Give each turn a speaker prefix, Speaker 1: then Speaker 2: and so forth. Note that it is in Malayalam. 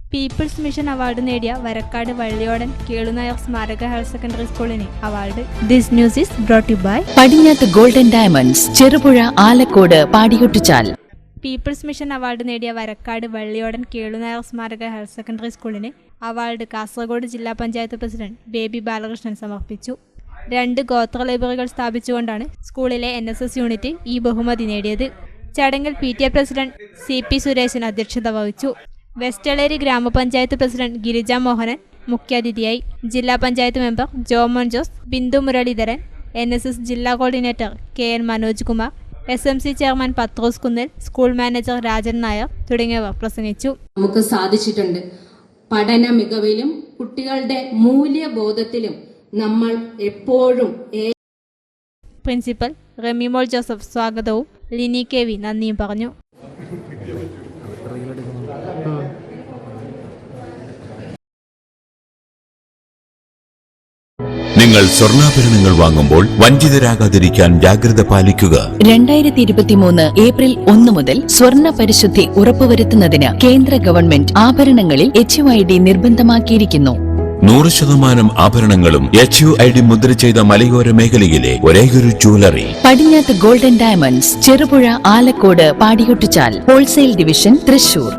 Speaker 1: പീപ്പിൾസ് മിഷൻ അവാർഡ് നേടിയ വരക്കാട് വള്ളിയോടൻ കേളുനായർ സ്മാരക ഹയർ സെക്കൻഡറി സ്കൂളിന് award. This news is brought you by
Speaker 2: Padinjath golden diamonds, Cherupuzha, Alakode, Padiyotchal.
Speaker 1: People's mission award നേടിയ വരക്കാട് വള്ളിയോടൻ കേളുനായർ സ്മാരക ഹയർ സെക്കൻഡറി സ്കൂളിന് അവാർഡ് കാസർഗോഡ് ജില്ലാ പഞ്ചായത്ത് പ്രസിഡന്റ് ബേബി ബാലകൃഷ്ണൻ സമർപ്പിച്ചു. 2 ഗോത്ര ലൈബ്രറികൾ സ്ഥാപിച്ചുകൊണ്ടാണ് സ്കൂളിലെ NSS യൂണിറ്റ് ഈ ബഹുമതി നേടിയത്. ചടങ്ങിൽ PTA പ്രസിഡന്റ് CP സുരേശൻ അധ്യക്ഷത വഹിച്ചു. വെസ്റ്റളേരി ഗ്രാമപഞ്ചായത്ത് പ്രസിഡന്റ് ഗിരിജ മോഹനൻ മുഖ്യാതിഥിയായി. ജില്ലാ പഞ്ചായത്ത് മെമ്പർ ജോമോൻ ജോസ്, ബിന്ദു മുരളീധരൻ, NSS ജില്ലാ coordinator KN Manoj Kumar, SMC chairman Pathros Kunnel, school manager Rajan Nair തുടങ്ങിയവർ പ്രസംഗിച്ചു.
Speaker 3: നമുക്ക് സാധിച്ചിട്ടുണ്ട്. പഠന മികവിലും കുട്ടികളുടെ മൂല്യബോധത്തിലും നമ്മൾ എപ്പോഴും
Speaker 1: പ്രിൻസിപ്പൽ റെമിമോൾ ജോസഫ് സ്വാഗതവും ലിനി KV നന്ദിയും പറഞ്ഞു.
Speaker 4: നിങ്ങൾ സ്വർണ്ണാഭരണങ്ങൾ വാങ്ങുമ്പോൾ വഞ്ചിതരാകാതിരിക്കാൻ ജാഗ്രത പാലിക്കുക.
Speaker 2: 2023 ഏപ്രിൽ 1 മുതൽ സ്വർണ്ണ പരിശുദ്ധി ഉറപ്പുവരുത്തുന്നതിന് കേന്ദ്ര ഗവൺമെന്റ് ആഭരണങ്ങളിൽ HUID നിർബന്ധമാക്കിയിരിക്കുന്നു.
Speaker 4: 100% ആഭരണങ്ങളും HUID മുദ്ര ചെയ്ത മലയോര മേഖലയിലെ ഒരേയൊരു jewellery
Speaker 2: Padinjath golden diamonds, Cherupuzha, Alakode, Padiyotchal. Wholesale division, Thrissur.